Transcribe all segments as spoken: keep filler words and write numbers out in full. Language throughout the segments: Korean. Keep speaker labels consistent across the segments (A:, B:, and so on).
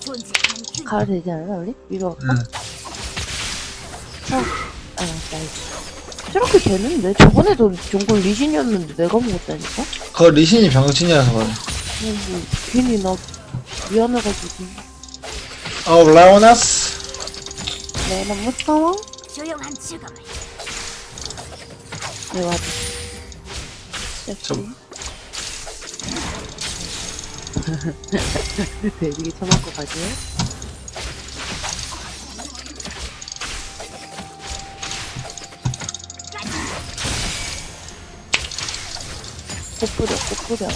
A: 가도 되지 않나 우리? 위로 갈까?
B: 응.
A: 어. 아 나이스. 저렇게 되는데? 저번에도 정글 리신이었는데 내가 먹었다니까?
B: 그거 리신이 병신이라서 그래.
A: 뭐, 뭐 괜히 나 미안해가지고.
B: 어, 라오나스.
A: 네, 너무 무서워?
C: 조용한 죽음을.
A: 네, 맞아.
B: 저-
A: 되게 쳐맞고 가지? 꽃 뿌려, 꽃 뿌려.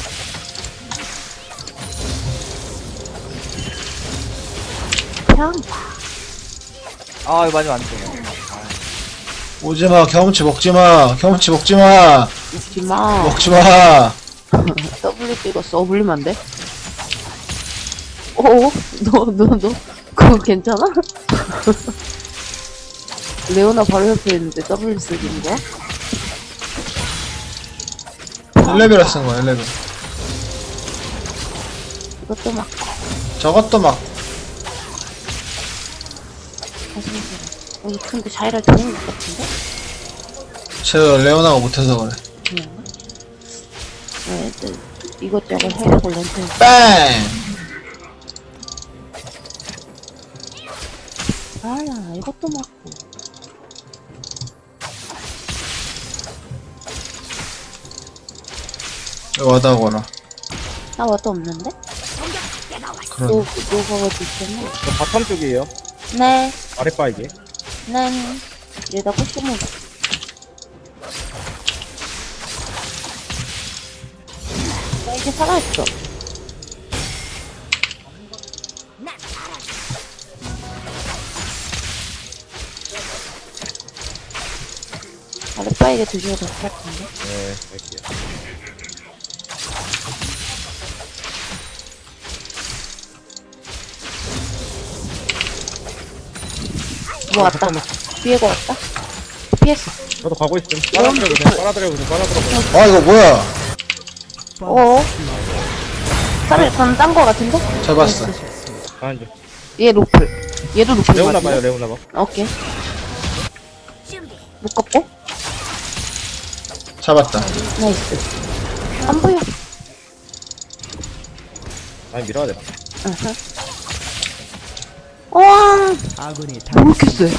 A: 평!
D: 아 이거 맞으면 안돼.
B: 오지마, 경험치 먹지마. 경험치 먹지마.
A: 웃지마.
B: 먹지마.
A: W 찍었어. 어, 물리면 안 돼? 어? 너, 너, 너? 그거 괜찮아? 레오나 바로 옆에 있는데 W 쓰는 거야?
B: 일 레벨을 쓴 거야, 일 레벨.
A: 이것도 막
B: 저것도 막.
A: 가슴이 어, 근데 자이라 좋은 것 같은데?
B: 쟤 레오나가 못해서 그래.
A: 그런가? 네, 네, 이것저것 해보고 렌트.
B: 뺑!
A: 아야, 이것도 맞고.
B: 와다거라.
A: 나 와도 없는데?
B: 그런.
A: 너, 너가 와도 있겠네?
D: 저 바텀 쪽이에요.
A: 네,
D: 아랫바 이게.
A: 네. 얘다 꼬시면. 나 이제 살아있어. 아랫바에게 드셔도 될 것 같은데?
D: 네, 갈게요.
A: 뭐 왔다. 피해고 왔다. 피했어.
D: 저도 가고 있음. 빨아들여 보세요. 빨아들여 보세요. 빨아들여 보세요.
B: 아, 이거 뭐야?
A: 어어. 살을 건딴거 같은데?
B: 잡았어.
D: 가는 중.
A: 얘 로플. 얘도 로플
D: 레오나
A: 같은데?
D: 봐요. 레오나 봐.
A: 오케이.
C: 준비.
A: 묶었고.
B: 잡았다.
A: 나이스. 안 보여.
D: 많이 밀어야 되나?
A: 어허. 우와.
E: 아군이
A: 왜 이렇게 세?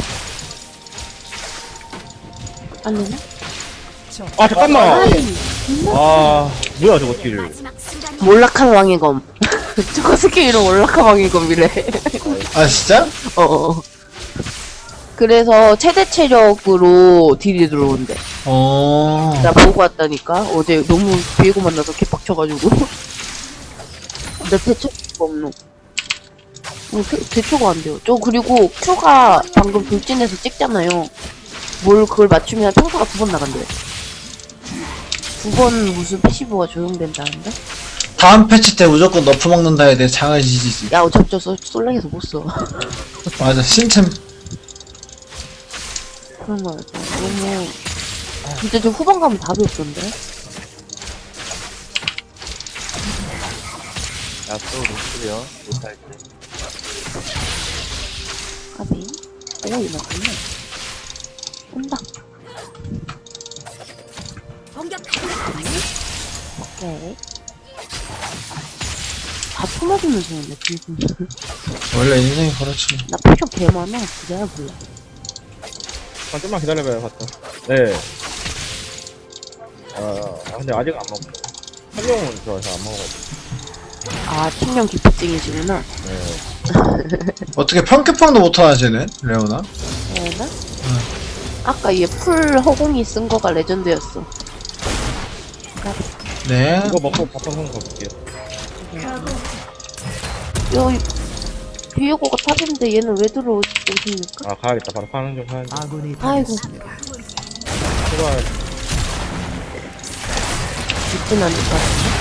A: 안 되나?
D: 아 잠깐만.
A: 아이.
D: 아 뭐야 저거 딜.
C: 마지막 순간이
A: 몰락한 왕의 검. 저거 스킬 이름 몰락한 왕의 검이래.
B: 아, 진짜?
A: 어어. 그래서 최대 체력으로 딜이 들어온대.
B: 어.
A: 나 보고 왔다니까. 어제 너무 비에고 만나서 개빡쳐가지고. 나 대처가 없노. 어, 대, 대처가 안 돼요. 저 그리고 Q가 방금 돌진해서 찍잖아요. 뭘 그걸 맞추면 평타가 두 번 나간대. 두 번 무슨 패시브가 적용된다는데?
B: 다음 패치 때 무조건 너프 먹는다에 대해 장해지지.
A: 야 어차피 저 쏠- 솔랭에서 못 써.
B: 맞아, 신템.
A: 그런 거 같아. 너무 진짜 저 후반 가면 답이 없던데?
D: 야또 노출이요. 못할 때.
A: 까비. 오 이거 맞네. 온다.
C: 공격한다.
A: 오케이. 다 토맞으면서 오네 지금.
B: 원래 인생이 그렇지.
A: 나 표정 개 많아. 그래야 몰라.
D: 한 좀만 기다려봐요. 봤다. 네. 아, 아 근데 아직 안 먹었어. 한명은 좋아해서 안 먹어가지고.
A: 아 팀명 기피증이시구나.
D: 네.
B: 어떻게 평균평도 못하나, 쟤네? 레오나?
A: 얘나? 아까 얘 풀 허공이 쓴 거가 레전드였어.
B: 네.
D: 이거 먹고 바텀 한번 가볼게요.
A: 요 비에고가 탑인데 얘는 왜 들어오십니까?
D: 아 가야겠다. 바로 파는 중 파는 중.
E: 아군이
A: 아이고
D: 출발.
A: 죽진 않을 것 같은데.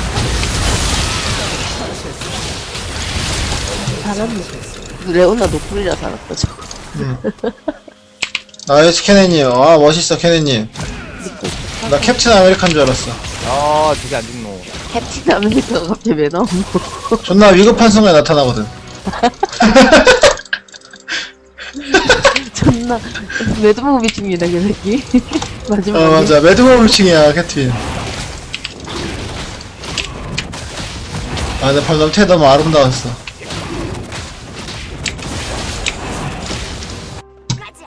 A: 살았네. 레오나 노플이라 살았다 저거.
B: 나이스, 케네님. 아, 멋있어, 케네님.
A: 믿고 있어.
B: 나 캡틴 아메리칸 줄 알았어.
D: 아 저게 안 죽노.
A: 캡틴 아메리카가 갑자기 왜 나온 거?
B: 존나 위급한 순간에 나타나거든.
A: 존나 매드무비 중이다 그 새끼. 마지막에.
B: 어 맞아 매드몰루칭이야 캐트윈. 아 근데 방금 태 너무 아름다웠어.
C: 가자.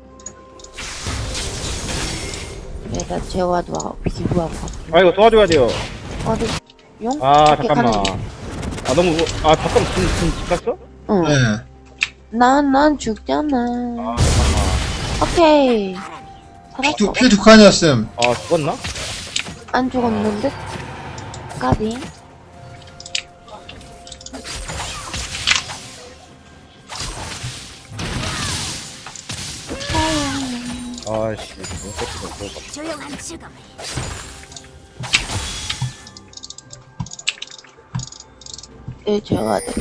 A: 내가 재화도 비교하고 갈게.
D: 아 이거 도와줘야 돼요.
A: 어디 용?
D: 아
A: 이렇게
D: 잠깐만.
A: 가는 거.
D: 아 너무 아 잠깐 지금 지금 집 갔어?
A: 응.
B: 네.
A: 난, 난 죽잖아.
D: 아 잠깐만.
A: 오케이. 살았어.
B: 피, 피 두 칸이었음.
D: 아 죽었나?
A: 안 죽었는데? 까비.
D: 아씨 너무 새끼가 그거.
C: 조용한 죽음을.
A: 예, 제가 돼.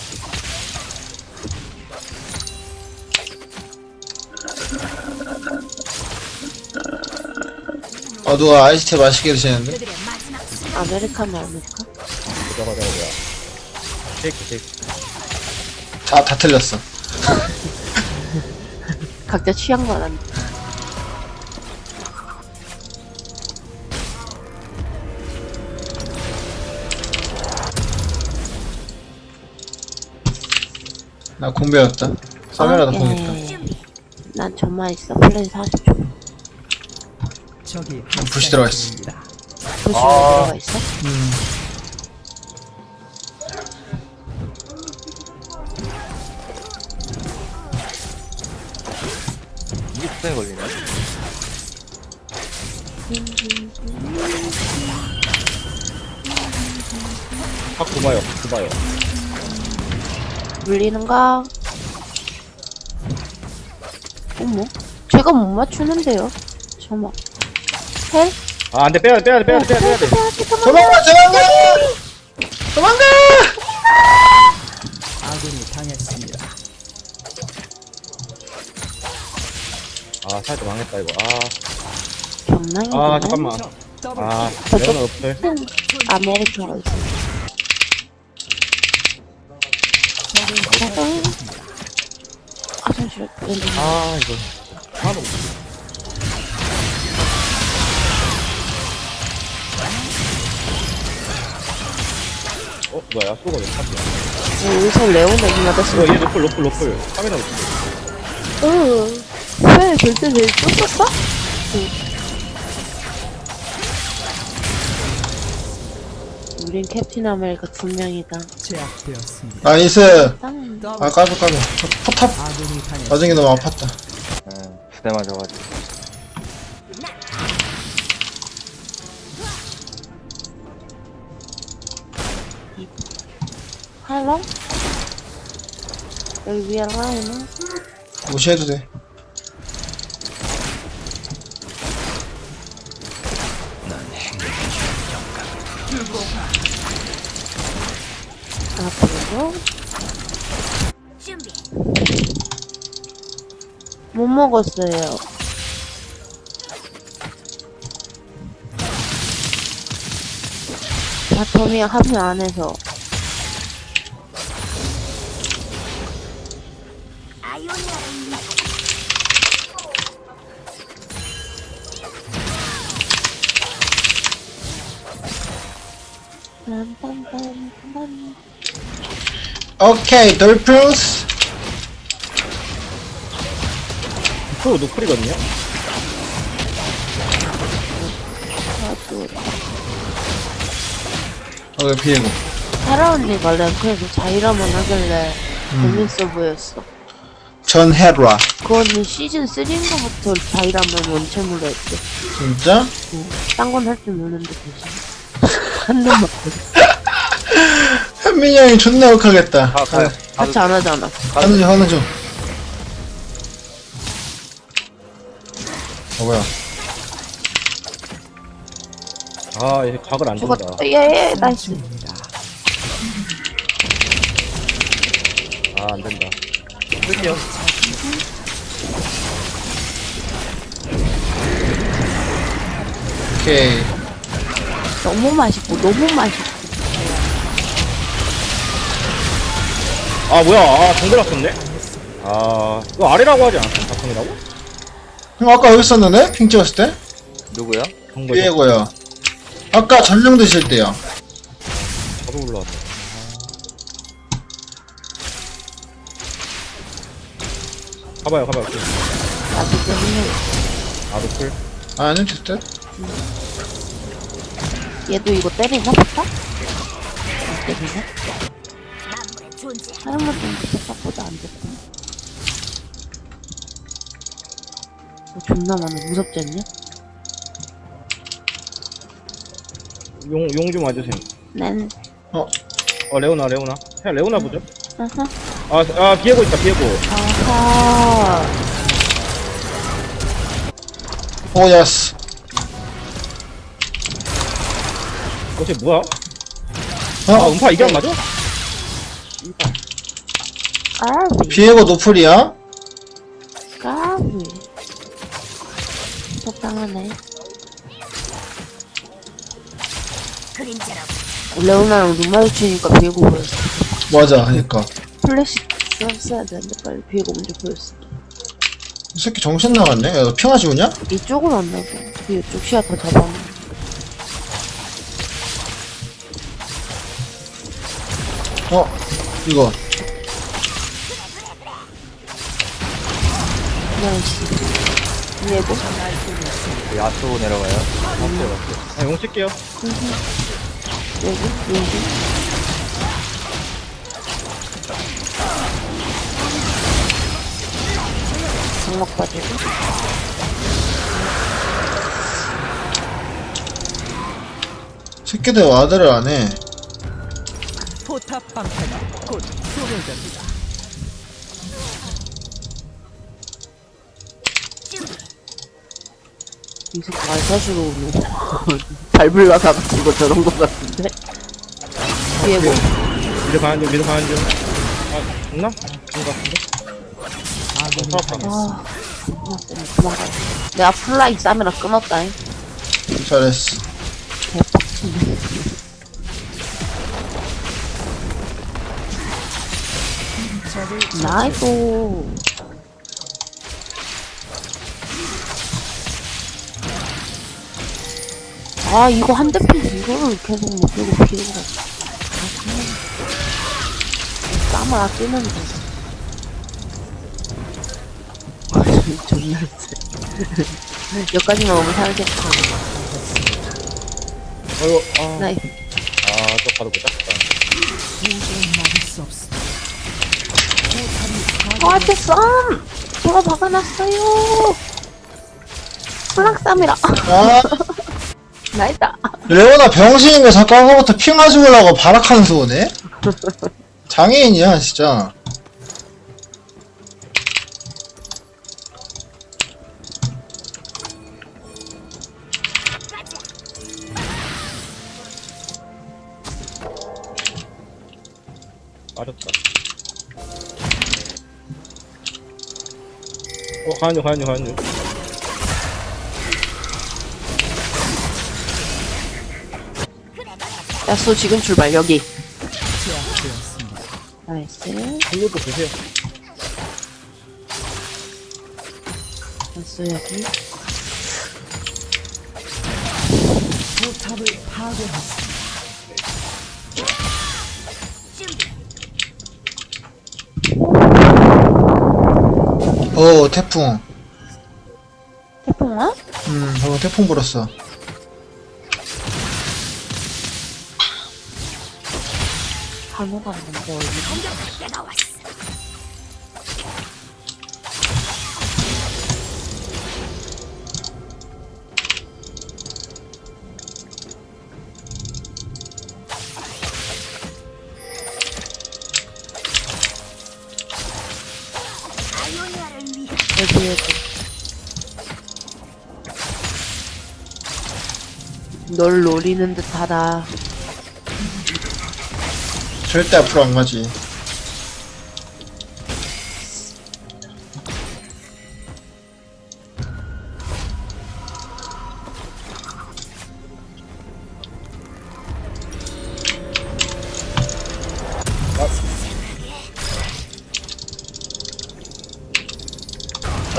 B: 어 누가 아이스티 맛있게 드시는데?
C: 그들의 마지막 순간.
A: 아메리카노 아메리카?
D: 저거 저거 뭐야? 쉐이크 쉐이크.
B: 다, 다 틀렸어.
A: 각자 취향 말한.
B: 나 공배였다. 썰매라도 공했다.
C: 준비.
A: 난 저만 있어. 플레이 사십 초.
E: 저기
B: 불씨 들어가 있어.
A: 도시에
D: 아.
A: 들어가 있어?
B: 음.
D: 이게 수상에 걸리네. 확 굽어요, 확 굽어요.
A: 물리는가? 어머? 제가 못 맞추는데요? 저만. 헬?
D: 아, 안 돼, 빼야 돼, 빼야 돼, 빼야 돼, 빼야 돼, 빼야 돼.
A: 빼야지, 그만.
B: 도망가 도망가! 도망가!
E: 아군이 당했습니다.
D: 아, 살짝 망했다, 이거. 아,
A: 경랑이
D: 아, 잠깐만.
E: 더블
D: 아,
A: 저-
D: 레오는 없을.
A: 아메리카노 있어. 짜잔. 아, 잠시만. 왠지.
D: 아, 이거. 하나도 없어. 어, 뭐야, 야수가 왜 탑이야?
A: 여기서 레오나 이 맞았어.
D: 이거 얘 로플, 로플, 로플. 카메라 로플.
A: 응. 왜 절대 내 쫓았어? 우린 캡틴 아메리카 두 명이다.
E: 제압되었습니다.
B: 나이스.
A: 땅.
E: 더블
B: 아 까비 까비. 포탑
E: 아군이 당했습니다.
B: 나중에 너무 아팠다.
D: 두 대 맞아가지고.
A: 할로? 여기 위에 라인은?
B: 무시해도 돼.
A: 앞으로.
C: 준비.
A: 못 먹었어요. 바텀이 합류 안 해서.
C: 아이오니아를 위해.
A: 빰빰빰빰.
B: 오케이 돌프스.
D: 그거 노플이거든요?
A: 아주
B: 어 비에고.
A: 사라 언니가 랭크에서 자이라만 하길래
B: 음.
A: 재밌어 보였어.
B: 전 헤라.
A: 그 언니 시즌 삼인가부터 자이라만 원챔으로 했대.
B: 진짜?
A: 딴 건 할 줄 모르는데 대신 한 놈만
B: 현민이 형이 존나 욕하겠다.
D: 가, 가요.
A: 같이 안 하잖아.
B: 하는 중 하는 중. 어 뭐야?
D: 아, 얘 각을 안 준다.
A: 죽었다. 예예 나이스.
E: 중입니다.
D: 아, 안 된다. 끌게요.
B: 오케이.
A: 너무 맛있고 너무 맛있고.
D: 아 뭐야 아 정글 왔었네? 아 이거 아래라고 하지 않았어? 바텀이라고?
B: 형 아까 여기 있었는데? 핑 찍었을 때?
F: 누구야?
D: 정글
B: 비에고요. 아까 전령 드실 때요.
D: 저도 올라왔네 가봐요 가봐요
A: 나도 때문에
D: 아 노플
B: 아, 아니요, 됐을 때?
A: 얘도 이거 때리나 보다? 안 때리나?
C: 만물의 존재.
A: 사람만 좀 생각보다 안 됐구나. 어, 존나 많아. 무섭지 않냐?
D: 용 용 좀 와주세요
A: 난
B: 어,
D: 어 레오나 레오나 그냥 레오나 보죠
A: 아하
D: 아, 아 비에고 있다 비에고
A: 아하
B: 오, 야스.
D: 어쟤 뭐야? 아
B: 어?
D: 음파 이게 안 맞아?
A: 까비
B: 비에고 노플이야?
A: 까비 적당하네.
C: 그림자라고.
A: 레오나랑 눈 마주치니까 비에고 보였어.
B: 맞아, 그니까.
A: 플래시 썼어야 되는데 빨리 비에고 먼저 보였어.
B: 이 새끼 정신 나갔네? 야, 너 핑하지 우냐?
A: 이쪽은 안 나고 그 이쪽 시야 더 잡아놓은
B: 어, 이거.
A: 나이스 비에고
F: 야수 내려가요.
D: 아, 용 칠게요
A: 여기 여기 장막 빠지고
B: 새끼들 와드를 안 해.
E: 포탑 방패가 곧 소멸됩니다.
A: 이 새끼 말사시로 오네. 밟을라서 아픈 거 저런 거 같은데? 비에고
D: 미드 가는 중 미드 가는 중아 죽나? 죽은 것 같은데?
E: 아군이
D: 어,
E: 당했습니다.
A: 아 존나 세네. 도망가야 돼. 내가 플라이 싸미라 끊었다잉.
B: 잘했어.
A: 개빡치네. 나이스. 아 이거 한 대 피고 이거를 계속 못 들고 피우고 땀을 아끼는데 존나 세 여기까지만 오면 살겠다.
D: 어이구 아
A: 나이
D: 아또 바로 못 잡았다
E: 도저히 막을 수 없습니다.
A: 저한테 썸! 제가 박아놨어요. 플락쌈이라.
B: 아,
A: 나이다.
B: 레오나 병신인 거 자꾸 아까부터 핑하지 보려고 발악하는 소네? 장애인이야, 진짜.
D: 맞았다 어 가는 중 가는 중 가는 중
A: 야쏘 지금 출발 여기.
E: 제압되었습니다.
A: 나이스.
D: 이것도 드세요
A: 야쏘 여기.
E: 포탑을 파괴했습니다.
B: 어, 태풍.
A: 태풍아?
B: 음, 방금 태풍 불었어.
A: 간호가 뭔데 얼굴.
C: 공격할 때가 왔어. 아이오니아를 위해.
A: 여기 여기. 널 노리는 듯하다.
B: 절대 앞으로 안 가지.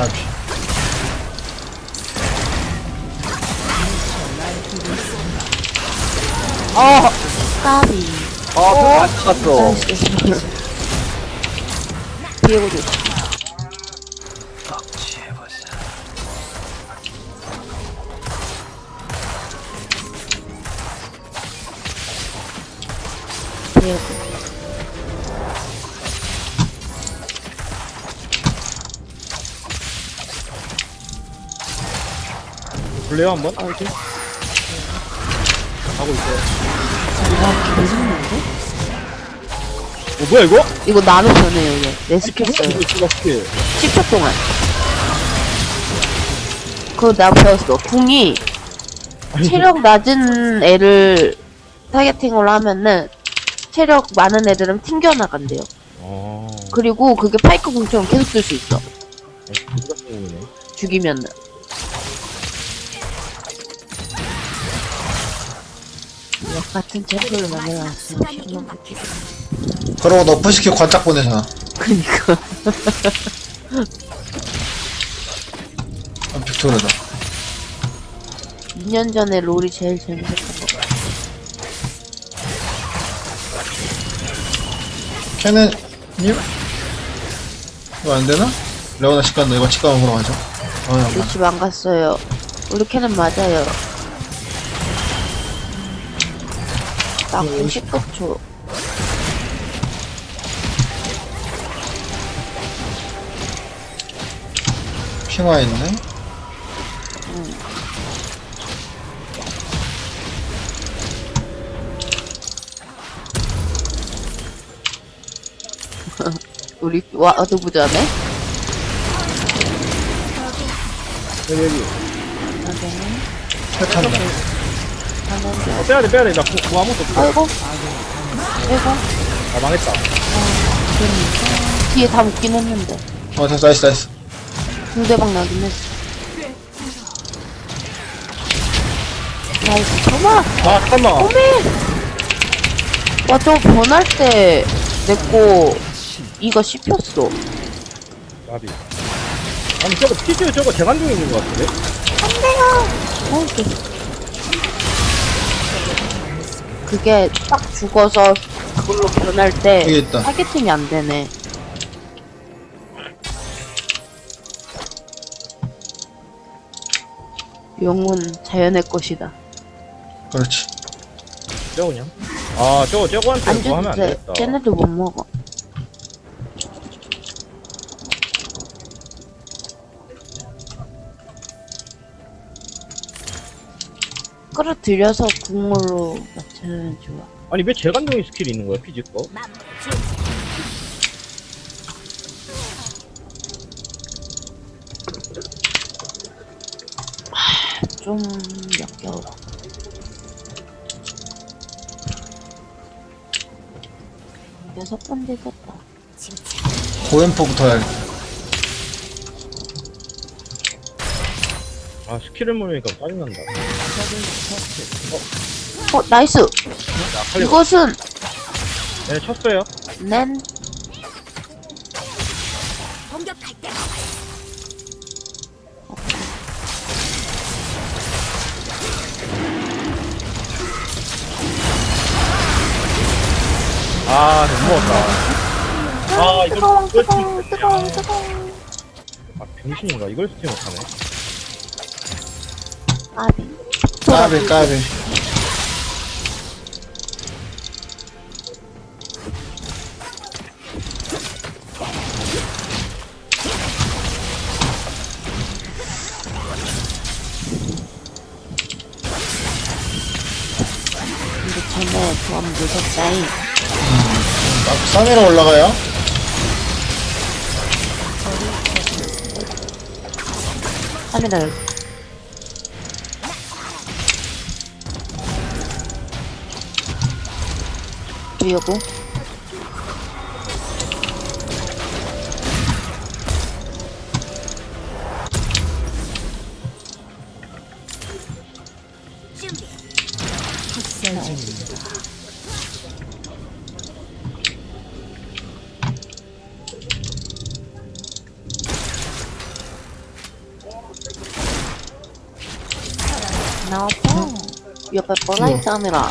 B: 까비.
A: 어 까비.
F: 아, 그거 안 찍었어.
A: 나이스. 비에고 줘. 비에고.
D: 볼래요 한번?
A: 아 어디?
D: 하고 있어요.
A: 아 개성인데?
D: 어 뭐야 이거?
A: 이거 나노 변해요 얘. 내 스킬 써요.
D: 이거 이거 스킬.
A: 십 초 동안. 그거 내가 배웠어. 궁이
D: 아니,
A: 체력 낮은 애를 타겟팅으로 하면은 체력 많은 애들은 튕겨나간대요.
D: 어.
A: 그리고 그게 파이크 궁처럼 계속 쓸 수 있어.
D: 누가 쓰는 거네.
A: 죽이면은. 역 같은 제품을 만들어놨어.
C: 순간이 임박했어.
B: 그러고 너프시키고 관짝 보내잖아.
A: 그니까.
B: 아, 빅토르다.
A: 이 년 전에 롤이 제일 재밌었던 거 같아.
B: 캐넨님? 이거 안 되나? 레오나 집 간다. 이거 집 가면 보러 가죠. 아, 야,
A: 우리 집 안 갔어요. 우리 캐는 맞아요. 나 구십구 초.
B: 핑화 있네.
A: 우리 와 어디 보자네.
D: 여기 여기.
B: 새 탄다.
D: 어, 빼야돼 빼야돼. 나 구, 구 아무것도 없어.
A: 아이고. 아이고.
D: 아 망했다.
A: 뒤에 다 묶긴 했는데.
B: 어, 됐어. 나이스, 나이스.
A: 중대박 나긴 했어. 나이스. 정말.
D: 아 잠깐만.
A: 어메! 와, 저거 변할 때, 내꺼, 이가 씹혔어.
D: 나비. 아니 저거 피즈 저거 재간둥이 있는 것 같은데?
A: 어, 그- 그게 딱 죽어서 그걸로 변할 때,
B: 여기 있다.
A: 타겟팅이 안 되네. 용은 자연의 것이다.
B: 그렇지.
D: 저거 그냥. 아 저거 저거한테
A: 안
D: 뭐 하면 안
A: 줘도 돼.
D: 되겠다.
A: 쟤네들 못 먹어. 끌어들여서 국물로 맞추면 좋아.
D: 아니 왜 재간둥이 스킬이 있는 거야 피즈 거?
C: 만물의 존재.
A: 좀 역겨워. 여섯 번 되겠다.
C: 진짜
B: 고엠포부터 해야겠다.
D: 아 스킬을 모르니까 짜증난다.
A: 어, 나이스!
D: 야 칼리.
A: 이것은,
D: 네 쳤어요.
A: 낸,
C: 공격할 때가 왔어.
D: 아 못 먹었다. 아 이걸
A: 뜨거워,
D: 이걸
A: 뜨거워,
D: 스팀
A: 뜨거워,
D: 못하냐.
A: 뜨거워.
D: 아 병신인가 이걸 스팀 못하네.
A: 까비.
B: 까비, 까비.
A: 근데 쟤네 조합 무섭다잉.
B: 아, 삼 위로 올라가요.
A: 카메라 여기. 여고.
C: 준비.
E: 학살 중입니다.
A: 나와봐. 옆에 버라이트 하느라.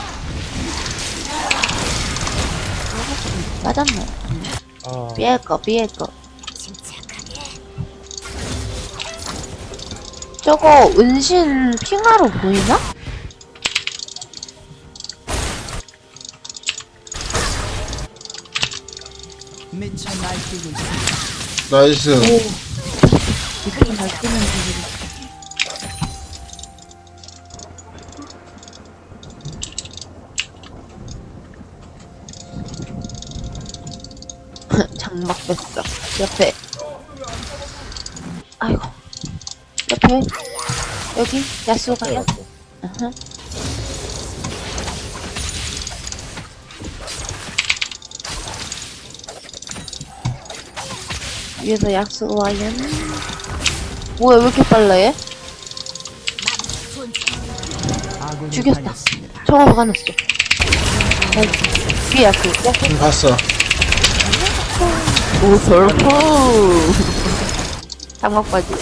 A: 맞았네.
D: 아,
A: 삐에 거, 삐에 거.
C: 침착하게.
A: 저거 은신 핑하로 보이나?
E: 미쳐 날뛰고 있습니다.
B: 나이스.
A: 이렇게 잘 뜨는 분들이. 장막 뺐어. 옆에. 아이고. 옆에. 여기 야수가요? 아하. 위에서 약속 와요. 뭐야 왜 이렇게 빨라 얘?
E: 아군이
A: 죽였다.
E: 당했습니다.
A: 저거 박아놨어. 위에 약속. 약속.
B: 응, 봤어.
A: 오 절프. 장막바지.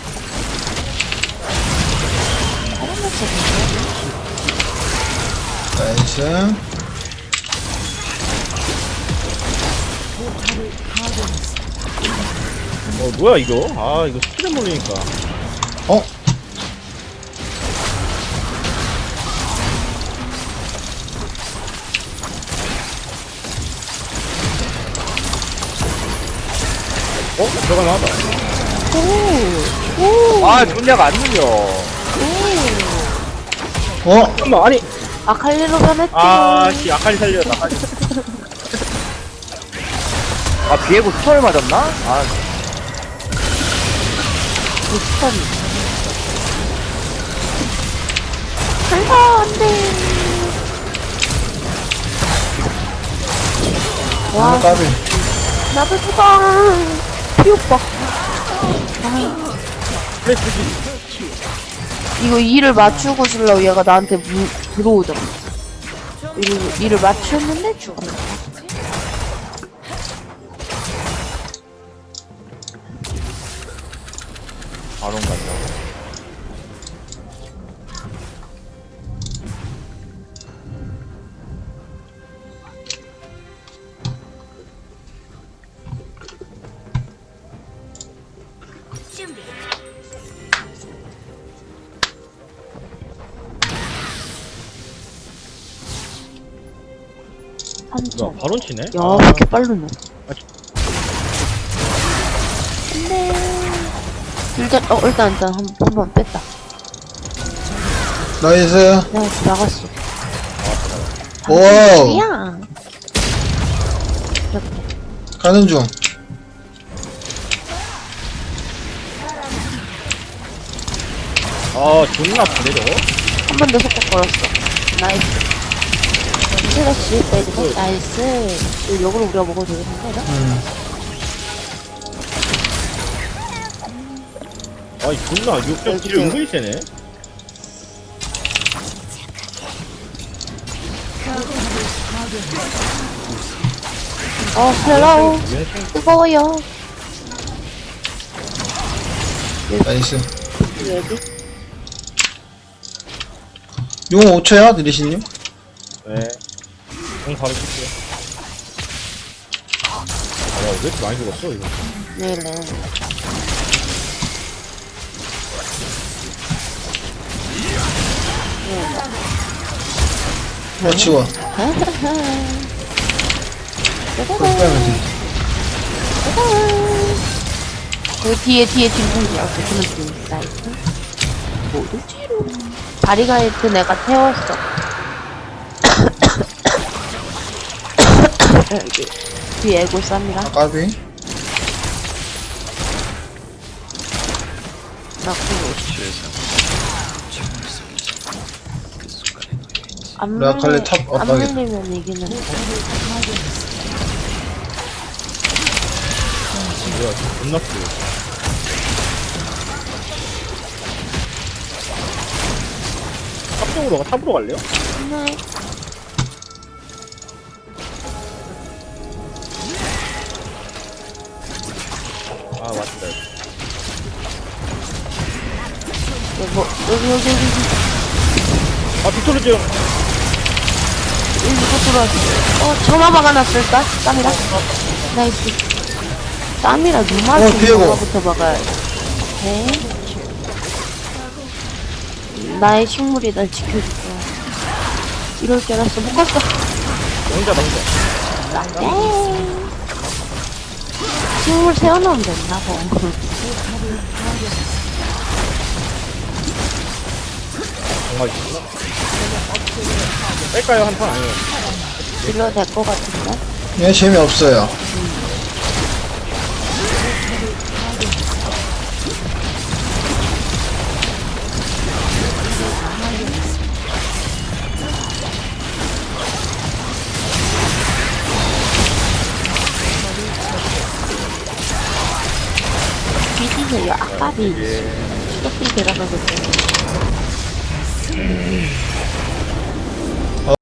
B: 나이스.
D: 어, 뭐야, 이거? 아, 이거 스킬을 몰리니까.
B: 어?
D: 어? 들어가나 하다.
F: 아, 존냐가 안 눌려.
B: 어?
D: 잠깐만, 아니.
A: 아칼리로 변했지.
D: 아, 씨, 아칼리 살려, 아칼리.
F: 아, 비에고 스톤을 맞았나? 아,
A: 비슷한. 간다 안돼. 와
B: 아, 까비.
A: 나도 죽어. 피오빠.
D: 플래시
A: 이거 이를 맞추고 주려고 얘가 나한테 무, 들어오잖아. 이를, 이를 맞췄는데 죽었네.
F: 바론 간다.
C: 준비.
D: 야,
A: 삼천.
D: 바론 치네?
A: 야, 왜 이렇게 빠르노? 안돼. 일단, 어, 일단, 일단, 한, 한 번 뺐다.
B: 나이스.
A: 내가 나갔어.
B: 와우.
A: 야 이렇게.
B: 가는 중.
D: 아, 존나 아프네, 저거.
A: 한 번 더 속박 걸었어. 나이스. 슬래시 빼주고, 나이스. 이거 역으로 우리가 먹어도 되겠는데, 나?
B: 음.
D: 아이, 존나, 육점 딜 은근히 세네.
A: 어, 헬로우.
D: 왼손
A: 뜨거워요.
B: 나이스.
A: 여기.
B: 용 오 초야, 느리시님?
D: 네. 공 바로 칠게요. 아, 야, 왜 이렇게 많이 죽었어, 이거?
A: 네네.
B: 어, 치워. 그걸 빼면 돼.
A: 그 뒤에 뒤에 뒷문이 없어. 그는 뒷문. 나이스. 모두 뒤로. 다리가 있던 애가 태웠어. 여기 뒤에 애고 쌉니다.
B: 아, 까비.
A: 나 그거. 안
B: 내가 칼리
A: 물리-
B: 탑
A: 안
B: 압박이다.
A: 물리면 이기는 거.
D: 뭐야, 존나 세. 탑쪽으로 가, 탑으로 갈래요?
A: 네.
D: 아, 맞다.
A: 여기, 뭐, 여기, 여기, 여기.
D: 아, 빅토르 좀.
A: 일부러 들어왔어. 어, 점화 박아놨을까? 땀이라? 나이스. 땀이라 눈
B: 어, 비에고.
A: 점화부터 박아야 돼. 나의 식물이 날 지켜줄 거야. 이럴 줄 알았어. 못 갔어.
D: 혼자, 나 혼자.
A: 네. 식물 세워놓으면 된다, 뭐.
D: 정말 있구나. 뺄까요? 한 판 아니에요.
A: 딜러 될 것 같은데?
B: 얘 재미없어요.
A: 비디세요. 아까비. 수도비 들어가거든요.